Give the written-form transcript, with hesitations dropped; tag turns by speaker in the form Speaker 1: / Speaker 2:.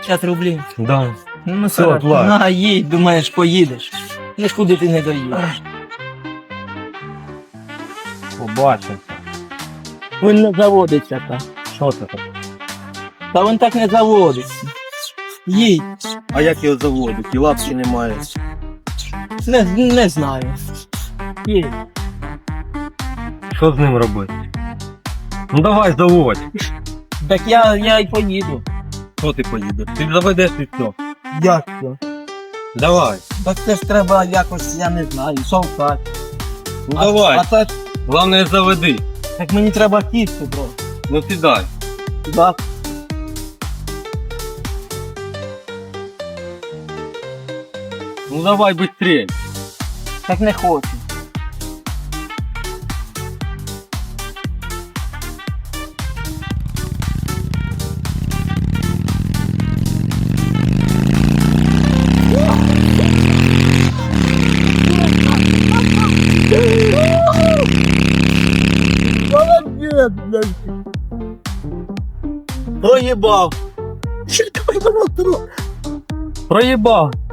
Speaker 1: 50 рублів.
Speaker 2: Да.
Speaker 1: Ну,
Speaker 2: Все,
Speaker 1: хорошо.
Speaker 2: плать.
Speaker 1: На, їдь, думаєш, поїдеш. Ну ж куди ти не доїдеш.
Speaker 2: Побачимо.
Speaker 1: Він не заводиться так.
Speaker 2: Що це таке?
Speaker 1: Та він так не заводиться. Їдь.
Speaker 2: А як його заводить? І лапки немає.
Speaker 1: Не знаю. Їдь.
Speaker 2: Що з ним робити? Ну давай, заводь.
Speaker 1: Так я й поїду.
Speaker 2: Що ти поїдеш? Ти заведеш і все.
Speaker 1: Як це?
Speaker 2: Давай.
Speaker 1: Так це ж треба якось, я не знаю, совкати.
Speaker 2: Ну давай.
Speaker 1: А так,
Speaker 2: Главное заведи.
Speaker 1: так мені треба кістку, бро.
Speaker 2: Ну сідай.
Speaker 1: Так.
Speaker 2: Ну давай быстрей.
Speaker 1: Так не хочу. Молодец, блядь. Проебал.
Speaker 2: Проїбав.